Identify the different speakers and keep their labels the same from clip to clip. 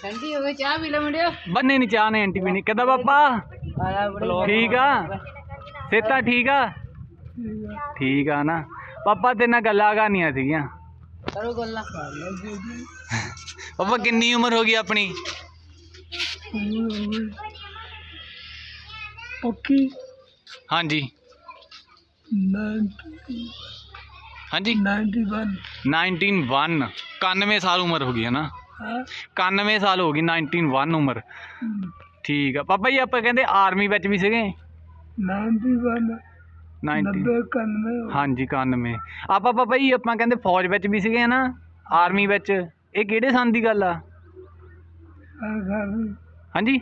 Speaker 1: ਠੰਡੀ ਹੋ ਗਈ ਚਾਹ ਪੀ ਲੈ ਮੁੰਡਿਓ।
Speaker 2: ਬੰਨੇ ਨਹੀਂ ਚਾਹ ਨੇ ਆਂਟੀ ਪੀਣੀ ਕਿੱਦਾਂ ਪਾਪਾ ਠੀਕ ਆ ਸੇਤਾ ਠੀਕ ਆ ਠੀਕ ਆ ਨਾ ਪਾਪਾ ਤੇਰੇ ਨਾਲ ਗੱਲਾਂ ਕਰਨੀਆਂ ਸੀਗੀਆਂ
Speaker 1: ਕਰੋ ਗੱਲਾਂ।
Speaker 2: ਪਾਪਾ ਕਿੰਨੀ ਉਮਰ ਹੋ ਗਈ ਆਪਣੀ
Speaker 3: ਪੱਕੀ
Speaker 2: ਹਾਂਜੀ
Speaker 3: 91
Speaker 2: 91 ਸਾਲ ਉਮਰ ਹੋ ਗਈ है ना 91 ਸਾਲ ਹੋ ਗਈ 91 ਉਮਰ ਠੀਕ ਆ ਪਾਪਾ ਜੀ ਆਪਾਂ ਕਹਿੰਦੇ ਆਰਮੀ ਵਿੱਚ ਵੀ ਸੀਗੇ
Speaker 3: 91
Speaker 2: ਹਾਂਜੀ 91 ਆਪਾਂ ਪਾਪਾ ਜੀ ਆਪਾਂ ਕਹਿੰਦੇ ਫੌਜ ਵਿੱਚ ਵੀ ਸੀਗੇ ਨਾ ਆਰਮੀ ਵਿੱਚ ਇਹ ਕਿਹੜੇ ਸੰਨ ਦੀ ਗੱਲ ਆ ਹਾਂਜੀ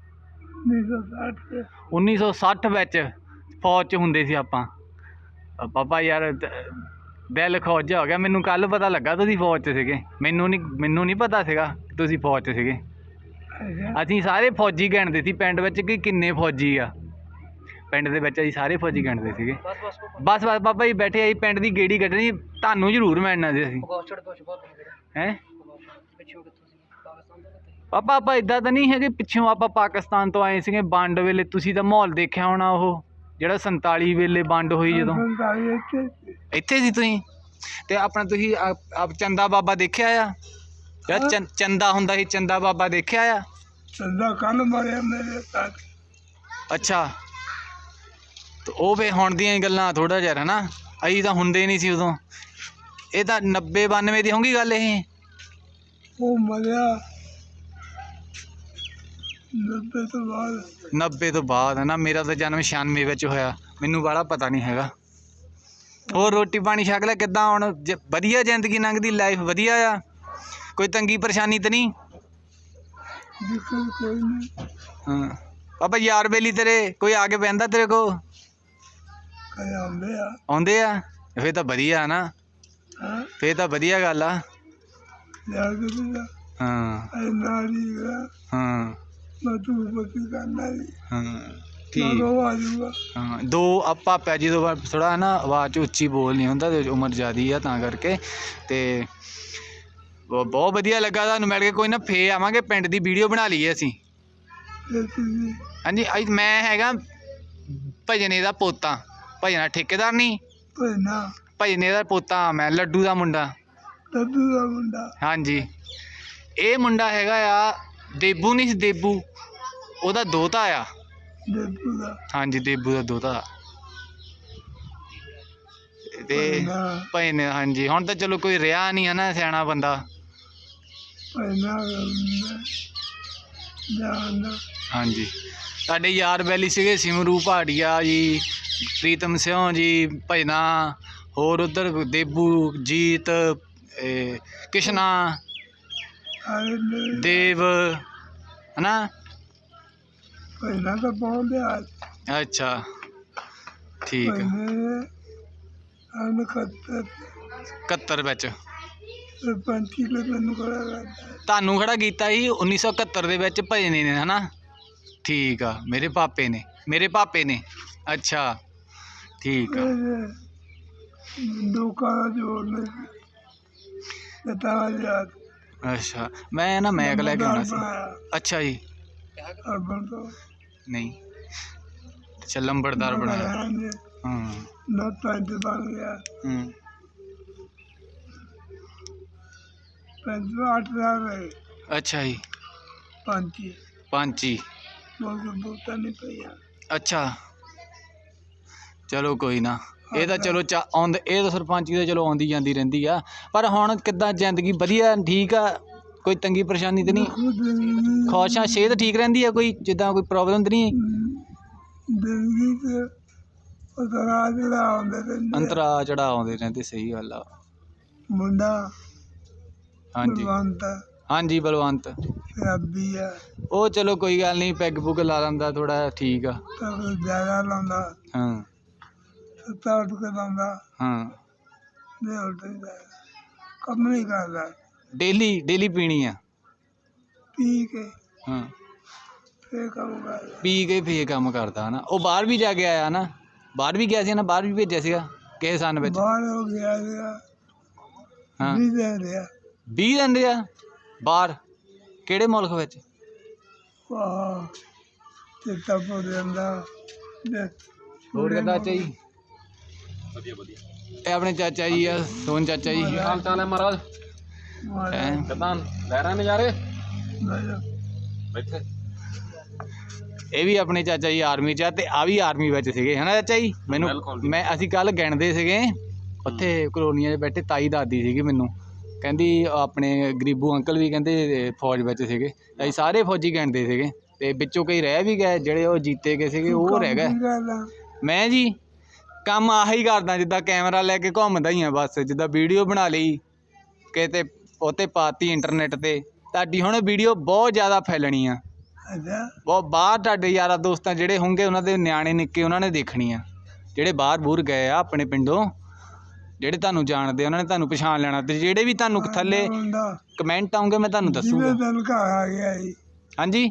Speaker 2: 1960 ਵਿੱਚ ਫੌਜ 'ਚ ਹੁੰਦੇ ਸੀ ਆਪਾਂ ਪਾਪਾ ਯਾਰ ਦਿਲ ਖੁਸ਼ ਜਿਹਾ ਹੋ ਗਿਆ ਮੈਨੂੰ ਕੱਲ ਪਤਾ ਲੱਗਾ ਤੁਸੀਂ ਫੌਜ 'ਚ ਸੀਗੇ ਮੈਨੂੰ ਨਹੀਂ ਪਤਾ ਸੀਗਾ ਤੁਸੀਂ ਫੌਜ 'ਚ ਸੀਗੇ ਅਸੀਂ ਸਾਰੇ ਫੌਜੀ ਗਿਣਦੇ ਸੀ ਪਿੰਡ ਵਿੱਚ ਕਿ ਕਿੰਨੇ ਫੌਜੀ ਆ ਪਿੰਡ ਦੇ ਵਿੱਚ ਅਸੀਂ ਸਾਰੇ ਫੌਜੀ ਗਿਣਦੇ ਸੀਗੇ ਬਸ ਪਾਪਾ ਜੀ ਬੈਠੇ ਅਸੀਂ ਪਿੰਡ ਦੀ ਗੇੜੀ ਕੱਢਣੀ ਤੁਹਾਨੂੰ ਜ਼ਰੂਰ ਮਿਲਣਾ ਸੀ ਅਸੀਂ ਹੈਂ ਪਾਪਾ ਆਪਾਂ ਇੱਦਾਂ ਤਾਂ ਨਹੀਂ ਹੈਗੇ ਪਿੱਛੋਂ ਆਪਾਂ ਪਾਕਿਸਤਾਨ ਤੋਂ ਆਏ ਸੀਗੇ ਵੰਡ ਵੇਲੇ ਤੁਸੀਂ ਤਾਂ ਮਾਹੌਲ ਦੇਖਿਆ ਹੋਣਾ ਉਹ ਜਿਹੜਾ 47 ਵੇਲੇ ਵੰਡ ਹੋਈ ਜਦੋਂ ਇੱਥੇ ਸੀ ਤੁਸੀਂ ਤੇ ਆਪਣਾ ਤੁਸੀਂ ਚੰਦਾ ਬਾਬਾ ਦੇਖਿਆ ਆ ਜਿਹੜਾ ਚੰਦਾ ਹੁੰਦਾ ਸੀ ਚੰਦਾ ਬਾਬਾ ਦੇਖਿਆ ਆ
Speaker 3: ਚੰਦਾ ਕੱਲ ਮਾਰਿਆ ਮੇਰੇ ਸਾਥ
Speaker 2: ਅੱਛਾ ਤੇ ਉਹ ਵੇ ਹੁਣ ਦੀਆਂ ਗੱਲਾਂ ਥੋੜਾ ਜਿਹਾ ਹੈ ਨਾ ਅਸੀਂ ਤਾਂ ਹੁੰਦੇ ਨਹੀਂ ਸੀ ਉਦੋਂ ਇਹ ਤਾਂ 90 92 ਦੀ ਹੋਊਗੀ ਗੱਲ ਇਹ
Speaker 3: ਉਹ ਮਰਿਆ
Speaker 2: 90 ਤੋਂ ਬਾਅਦ ਹੈ ਨਾ ਮੇਰਾ ਤਾਂ ਜਨਮ 96 ਵਿੱਚ ਹੋਇਆ ਮੈਨੂੰ ਬਾਹਲਾ ਪਤਾ ਨਹੀਂ ਹੈਗਾ ਹੋਰ ਰੋਟੀ ਪਾਣੀ ਛਕ ਲਿਆ ਕਿੱਦਾਂ ਹੁਣ ਵਧੀਆ ਜ਼ਿੰਦਗੀ ਲੰਘਦੀ ਲਾਈਫ ਵਧੀਆ ਆ ਕੋਈ ਤੰਗੀ ਪਰੇਸ਼ਾਨੀ ਤਾਂ ਨਹੀਂ ਹਾਂ ਪਾਪਾ ਯਾਰ ਬੇਲੀ ਤੇਰੇ ਕੋਈ ਆ ਕੇ ਬਹਿੰਦਾ ਤੇਰੇ ਕੋ ਆਉਂਦੇ ਆ ਫੇਰ ਤਾਂ ਵਧੀਆ ਨਾ ਫੇਰ ਤਾਂ ਵਧੀਆ ਗੱਲ ਆ ਹਾਂ ਹਾਂ ਹਾਂ ਦੋ ਆਪਾਂ ਪੈ ਜਦੋਂ ਥੋੜਾ ਨਾ ਆਵਾਜ਼ 'ਚ ਉੱਚੀ ਬੋਲ ਨਹੀਂ ਹੁੰਦਾ ਤੇ ਉਮਰ ਜ਼ਿਆਦੀ ਆ ਤਾਂ ਕਰਕੇ ਤੇ ਬਹੁਤ ਵਧੀਆ ਲੱਗਾ ਤੁਹਾਨੂੰ ਮਿਲ ਕੇ ਕੋਈ ਨਾ ਫੇਰ ਆਵਾਂਗੇ ਪਿੰਡ ਦੀ ਵੀਡੀਓ ਬਣਾ ਲਈਏ ਅਸੀਂ ਹਾਂਜੀ ਮੈਂ ਹੈਗਾ ਭਜਨੇ ਦਾ ਪੋਤਾ ਭਜਨਾ ਠੇਕੇਦਾਰ ਨਹੀਂ ਭਜਨੇ ਦਾ ਪੋਤਾ ਮੈਂ ਲੱਡੂ ਦਾ ਮੁੰਡਾ ਹਾਂਜੀ ਇਹ ਮੁੰਡਾ ਹੈਗਾ ਆ ਦੇਬੂ ਨਹੀਂ ਸੀ ਦੇਬੂ ਉਹਦਾ ਦੋਤਾ ਆ ਹਾਂਜੀ ਦੇਬੂ ਦਾ ਦੋਤਾ ਤੇ ਭਜਨੇ ਹਾਂਜੀ ਹੁਣ ਤਾਂ ਚਲੋ ਕੋਈ ਰਿਹਾ ਨਹੀਂ ਹੈ ਨਾ ਸਿਆਣਾ ਬੰਦਾ ਹਾਂਜੀ ਸਾਡੇ ਯਾਰ ਬੈਲੀ ਸੀਗੇ ਸਿਮਰੂ ਭਾਟੀਆ ਜੀ ਪ੍ਰੀਤਮ ਸਿਉ ਜੀ ਭਜਨਾ ਹੋਰ ਉੱਧਰ ਦੇਬੂ ਜੀਤ ਕਿਸ਼ਨਾ ਦੇਵ ਹੈ ਨਾ ਅੱਛਾ ਠੀਕ 71 ਵਿੱਚ ਤੁਹਾਨੂੰ ਖੜਾ ਕੀਤਾ ਸੀ 1971 ਦੇ ਵਿੱਚ ਭਜਨੇ ਨੇ ਹੈ ਨਾ ਠੀਕ ਆ ਮੇਰੇ ਪਾਪੇ ਨੇ ਅੱਛਾ ਠੀਕ ਆ ਅੱਛਾ ਮੈਂ ਨਾ ਮੈਕ ਲੈ ਕੇ ਆਉਣਾ ਸੀ ਅੱਛਾ ਜੀ ਨਹੀਂ ਅੱਛਾ ਲੰਬੜਦਾਰ ਬਣਾਇਆ ਹਾਂ ਅੱਛਾ ਜੀ ਪੰਚੀ ਅੱਛਾ ਚਲੋ ਕੋਈ ਨਾ ਇਹ ਤਾਂ ਚਲੋ ਇਹ ਤਾਂ ਸਰਪੰਚੀ ਤਾਂ ਚਲੋ ਆਉਂਦੀ ਜਾਂਦੀ ਰਹਿੰਦੀ ਆ ਪਰ ਹੁਣ ਕਿੱਦਾਂ ਜ਼ਿੰਦਗੀ ਵਧੀਆ ਠੀਕ ਆ ਕੋਈ ਤੰਗੀ ਪਰੇਸ਼ਾਨੀ ਤਾਂ ਨਹੀਂ ਖੁਸ਼ ਆ ਸਿਹਤ ਠੀਕ ਰਹਿੰਦੀ ਆ ਕੋਈ ਜਿੱਦਾਂ ਕੋਈ ਪ੍ਰੋਬਲਮ ਤਾਂ ਨਹੀਂ ਅੰਤਰਾ ਚੜਾ ਆਉਂਦੇ ਰਹਿੰਦੇ ਸਹੀ ਗੱਲ ਆ
Speaker 3: ਮੁੰਡਾ
Speaker 2: ਹਾਂਜੀ ਹਾਂਜੀ ਬਲਵੰਤ ਉਹ ਚਲੋ ਕੋਈ ਗੱਲ ਨਹੀਂ ਪੈਗ ਪੁਗ ਲਾ ਲੈਂਦਾ ਥੋੜਾ ਠੀਕ ਆ
Speaker 3: ਜ਼ਿਆਦਾ ਲਾਉਂਦਾ
Speaker 2: ਹਾਂ ਹਾਂ
Speaker 3: ਕੰਮ ਨਹੀਂ ਕਰਦਾ
Speaker 2: ਡੇਲੀ ਪੀਣੀ ਆ
Speaker 3: ਪੀ ਕੇ
Speaker 2: ਹਾਂ
Speaker 3: ਫੇਰ ਕੰਮ ਕਰਦਾ
Speaker 2: ਪੀ ਕੇ ਫੇਰ ਕੰਮ ਕਰਦਾ ਨਾ ਉਹ ਬਾਹਰ ਵੀ ਜਾ ਕੇ ਆਇਆ ਨਾ ਬਾਹਰ ਵੀ ਗਿਆ ਸੀ ਨਾ ਬਾਹਰ ਵੀ ਭੇਜਿਆ ਸੀਗਾ ਕਿਸੇ ਸੰਨ ਵਿੱਚ
Speaker 3: ਬਾਹਰ ਹੋ ਗਿਆ ਸੀਗਾ
Speaker 2: ਹਾਂ
Speaker 3: 20 ਦਿਨ ਰਿਹਾ
Speaker 2: 20 ਦਿਨ ਰਿਹਾ ਬਾਹਰ ਕਿਹੜੇ ਮੁਲਕ ਵਿੱਚ?
Speaker 3: ਵਾਹ ਤੇ ਤਪ ਰਹਿੰਦਾ ਦੇ
Speaker 2: ਹੋਰ ਕਿੱਦਾਂ ਚਾਚਾ ਜੀ?
Speaker 4: ਵਧੀਆ ਵਧੀਆ।
Speaker 2: ਇਹ ਆਪਣੇ ਚਾਚਾ ਜੀ ਆ, ਸੋਨ ਚਾਚਾ ਜੀ।
Speaker 4: ਹਾਲ ਚਾਲ ਹੈ ਮਹਾਰਾਜ?
Speaker 2: ਹੈਂ?
Speaker 4: ਕਿੱਦਾਂ ਲੈ ਰਹੇ ਨਜ਼ਾਰੇ?
Speaker 3: ਮਾਰਾ
Speaker 4: ਬੈਠੇ।
Speaker 2: ਇਹ ਵੀ ਆਪਣੇ ਚਾਚਾ ਜੀ ਆਰਮੀ 'ਚ ਆ ਤੇ ਆ ਵੀ ਆਰਮੀ ਵਿੱਚ ਸੀਗੇ ਹਨਾ ਚਾਚਾ ਜੀ? ਮੈਨੂੰ
Speaker 4: ਬਿਲਕੁਲ ਜੀ।
Speaker 2: ਅਸੀਂ ਕੱਲ ਗਿਣਦੇ ਸੀਗੇ ਉੱਥੇ ਕਲੋਨੀਆਂ 'ਚ ਬੈਠੇ, ਤਾਈ ਦੱਸਦੀ ਸੀਗੀ ਮੈਨੂੰ, ਕਹਿੰਦੀ ਆਪਣੇ ਗਰੀਬੂ ਅੰਕਲ ਵੀ ਕਹਿੰਦੇ ਫੌਜ ਵਿੱਚ ਸੀਗੇ। ਅਸੀਂ ਸਾਰੇ ਫੌਜੀ ਗਿਣਦੇ ਸੀਗੇ ਤੇ ਵਿੱਚੋਂ ਕਈ ਰਹਿ ਵੀ ਗਏ, ਜਿਹੜੇ ਉਹ ਜੀਤੇ ਗਏ ਸੀਗੇ ਉਹ ਰਹਿ ਗਏ। ਮੈਂ ਜੀ ਕੰਮ ਆਹੀ ਕਰਦਾ, ਜਿੱਦਾਂ ਕੈਮਰਾ ਲੈ ਕੇ ਘੁੰਮਦਾ ਹੀ ਆ ਬਸ, ਜਿੱਦਾਂ ਵੀਡੀਓ ਬਣਾ ਲਈ ਕਿਤੇ ਉਹ 'ਤੇ ਪਾਤੀ ਇੰਟਰਨੈਟ 'ਤੇ, ਤੁਹਾਡੀ ਹੁਣ ਵੀਡੀਓ ਬਹੁਤ ਜ਼ਿਆਦਾ ਫੈਲਣੀ ਆ,
Speaker 3: ਅੱਛਾ
Speaker 2: ਬਹੁਤ ਬਾਹਰ ਤੁਹਾਡੇ ਯਾਰਾਂ ਦੋਸਤਾਂ ਜਿਹੜੇ ਹੋਣਗੇ ਉਹਨਾਂ ਦੇ ਨਿਆਣੇ ਨਿੱਕੇ ਉਹਨਾਂ ਨੇ ਦੇਖਣੀ ਆ, ਜਿਹੜੇ ਬਾਹਰ ਬੂਰ ਗਏ ਆ ਆਪਣੇ ਪਿੰਡੋਂ, ਜਿਹੜੇ ਤੁਹਾਨੂੰ ਜਾਣਦੇ ਉਹਨਾਂ ਨੇ ਤੁਹਾਨੂੰ ਪਛਾਣ ਲੈਣਾ, ਤੇ ਜਿਹੜੇ ਵੀ ਤੁਹਾਨੂੰ ਥੱਲੇ ਕਮੈਂਟ ਆਉਂਗੇ ਮੈਂ ਤੁਹਾਨੂੰ ਦੱਸੂਗਾ।
Speaker 3: ਜਿਵੇਂ ਦਿਨ ਘਰ ਆ ਗਿਆ ਜੀ
Speaker 2: ਹਾਂਜੀ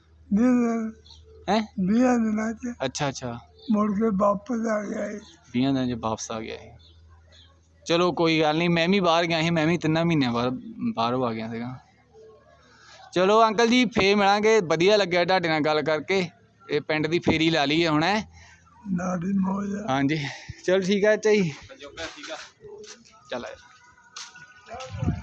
Speaker 3: ਹੈ
Speaker 2: ਹੈਂ?
Speaker 3: 20 ਦਿਨਾਂ ਚ
Speaker 2: ਅੱਛਾ ਅੱਛਾ,
Speaker 3: ਮੁੜ ਕੇ ਵਾਪਸ ਆ ਗਿਆ ਜੀ।
Speaker 2: 20 ਦਿਨਾਂ 'ਚ ਵਾਪਸ ਆ ਗਿਆ ਇਹ। ਚਲੋ ਕੋਈ ਗੱਲ ਨਹੀਂ, ਮੈਂ ਵੀ ਬਾਹਰ ਗਿਆ ਸੀ, ਮੈਂ ਵੀ 3 ਮਹੀਨਿਆਂ ਬਾਅਦ ਬਾਹਰੋਂ ਆ ਗਿਆ ਸੀਗਾ। ਚਲੋ ਅੰਕਲ ਜੀ ਫੇਰ ਮਿਲਾਂਗੇ, ਵਧੀਆ ਲੱਗਿਆ ਤੁਹਾਡੇ ਨਾਲ ਗੱਲ ਕਰਕੇ, ਇਹ ਪਿੰਡ ਦੀ ਫੇਰੀ ਲਾ ਲਈ ਹੈ ਹੁਣ ਹੈ।
Speaker 3: ਨਾੜੀ ਮੋਜ
Speaker 2: ਹਾਂਜੀ ਚਲੋ ਠੀਕ ਹੈ ਚਾਚਾ ਜੀ, ਚੱਲ